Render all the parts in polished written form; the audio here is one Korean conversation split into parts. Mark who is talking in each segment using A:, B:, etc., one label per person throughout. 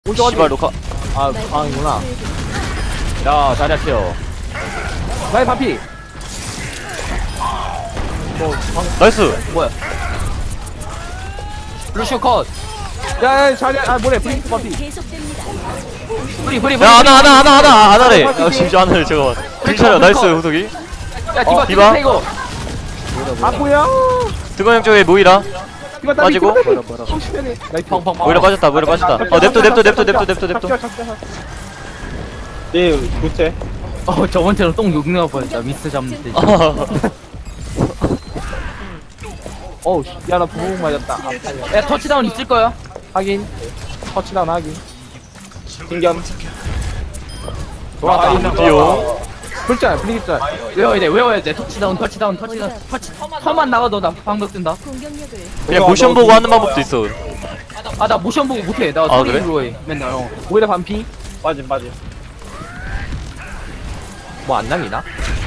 A: 씨발 녹화.
B: 아, 방이구나. 야, 자리야 키워. 나의 반피.
A: 나이스.
B: 뭐야? 루시오 컷. 야, 자리야. 아, 뭐래? 브링크 반피.
C: 계속됩니다.
B: 브리.
A: 야 하나래. 야 진짜 하나래. 잠깐만. 괜찮아. 나이스 호석이.
B: 야, 디바.
A: 디바?
B: 이거. 아, 뭐야?
A: 드건 쪽에 모이라.
B: 디바
A: 빠지고.
B: 나이스. 펑펑.
A: 모이라 빠졌다. 냅둬.
D: 예, 교체.
B: 저번처럼 똥 욕내가 뻔했다. 미스 잡는 때. 어우, 야, 나 부복 맞았다. 야, 터치다운 있을 거야. 확인. 터치다운 확인.
D: 신겸.
B: 돌아다.
A: 뛰어.
B: 불짤, 분위기짤. 외워야 돼. 터치다운. 터만 나가도 나 방벽 뜬다.
C: 공격력을
A: 그냥 모션 보고 하는 방법도 있어.
B: 아, 나 모션 보고 못해. 나
A: 아,
B: 소리로 해. 맨날. 오히려 반피.
D: 빠짐.
B: 뭐 안 날리나?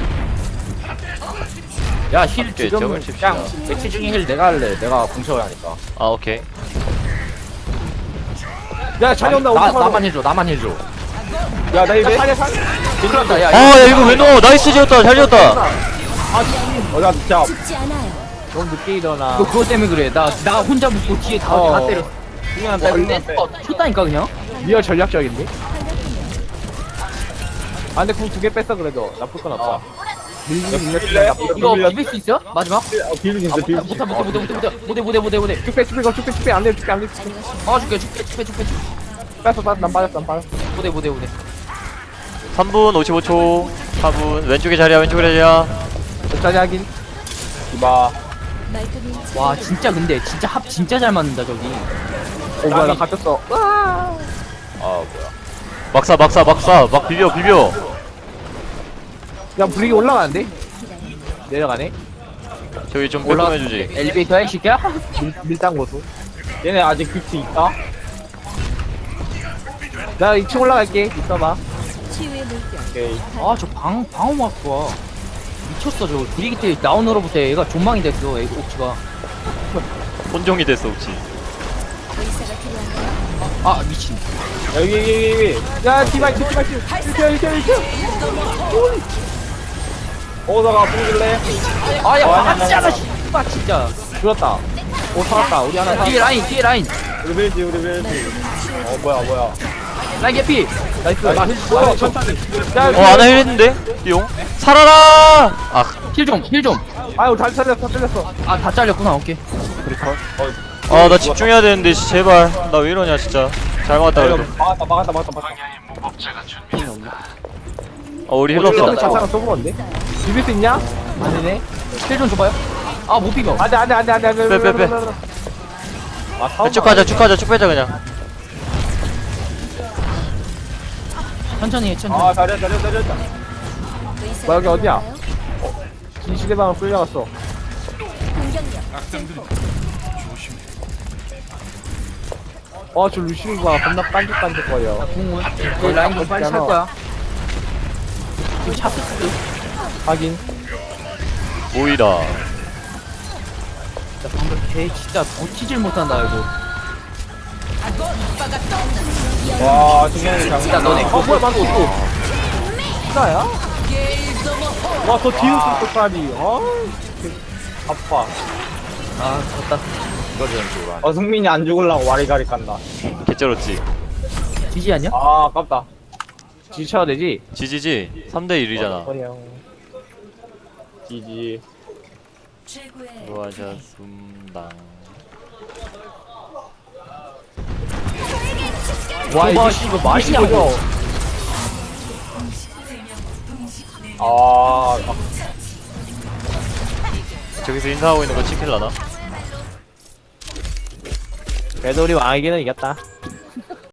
B: 야, 힐
A: 오케이,
B: 지금
A: 저걸 칩시다.
B: 그냥 매치 중에 힐 내가 할래. 내가 공쳐야 하니까.
A: 아 오케이.
B: 야, 자리 온다. 나만 힐 줘.
D: 야, 나 이제.
B: 큰일났다. 야,
A: 아 야 이거 왜 넣어? 나이스 지었다. 잘 지었다.
D: 어디가 진짜.
C: 죽지 않아요.
B: 너무 늦게 일어나. 그거 때문에 그래. 나 혼자 붙고 뒤에 다 때렸어. 쳤다니까 그냥. 리얼 전략적인데? 아, 근데 궁 2개 뺐어 그래도 나쁠 건 없어.
D: 밀래?
B: 이거 비빌 수 있어? 마지막?
D: 비빌 수 있어, 비빌 수 있어.
B: 못해. 쭉빼 안 돼. 줄게. 뺐어. 난 빠졌어. 못해.
A: 3분 55초. 4분 왼쪽에 자리야.
B: 여기까지 하긴.
D: 디바.
C: 말끔히
B: 와, 근데 합 진짜 잘 맞는다 저기. 뭐야, 나 갇혔어.
D: 아, 뭐야.
A: 막사. 막 비벼.
B: 야, 불이 올라가는데? 내려가네.
A: 저기 좀 배동해주지.
B: 엘리베이터에 시켜? 밀당 고수.
D: 얘네 아직 뷰티 있다?
B: 나 2층 올라갈게. 있어봐.
C: 치유의 물결.
D: 오케이.
B: 아, 저 방어막 좋아. 미쳤어, 저거. 브리기트 나오너로부터 얘가 존망이 됐어, 애가 옥치가.
A: 혼종이 됐어 혹시.
C: 의사가 필요한가요?
B: 아, 미친.
D: 여기.
B: 야, 디바 1층.
D: 오다가 풍길래?
B: 아, 야,
D: 아니,
B: 맞잖아, 씨발, 진짜. 죽었다. 오, 살았다. 우리 하나 살았다. 뒤에 라인.
D: 우리 밀지. 뭐야.
B: 라인 개피. 나이스. 천천히.
A: 아나 힐했는데? 용. 살아라. 아
B: 힐 좀. 아유, 다 잘렸어. 아, 다 잘렸구나. 오케이.
A: 아 나 집중해야 되는데 제발. 나 왜 이러냐 진짜. 잘 막았다 그래도.
D: 막았다.
A: 우리 힐러
B: 힐러
A: 없어.
B: 자상한 써보는데? 비빌 수 있냐? 아니네. 힐 좀 줘봐요. 아, 못 비벼. 안 돼.
A: 빼. 쭉 가자 쭉 빼자 그냥.
B: 천천히 해.
D: 아, 잘했다.
C: 의사가
B: 뭐야, 여기 어디야?
C: 필요한가요?
B: 진시대방을 끌려갔어.
C: 공격력
B: 저 루시우가 겁나 빤죽거려. 궁은? 그 라인 좀 빨리 찰 거야. 지금 찼을 수도. 확인.
A: 모이라.
B: 진짜 방금 걔 진짜 버티질 못한다, 이거.
D: 와, 중요한 게
B: 진짜 너네. 뭐야, 방금 또. 진짜야?
D: 와, 저 뒤로 쏠 것까지. 아파.
B: 아, 졌다.
D: 승민이 안 죽으려고 와리가리 깐다.
A: 개쩔었지.
B: 지지 아니야?
D: 아, 아깝다.
B: 지지 쳐야 되지?
A: 지지지. 3대 1이잖아.
D: 지지.
A: 수고하셨습니다.
B: 와, 이거 맛있냐고.
D: 아,
A: 저기서 인사하고 있는 거 치킬라나?
B: 그래도 우리 왕에게는 이겼다.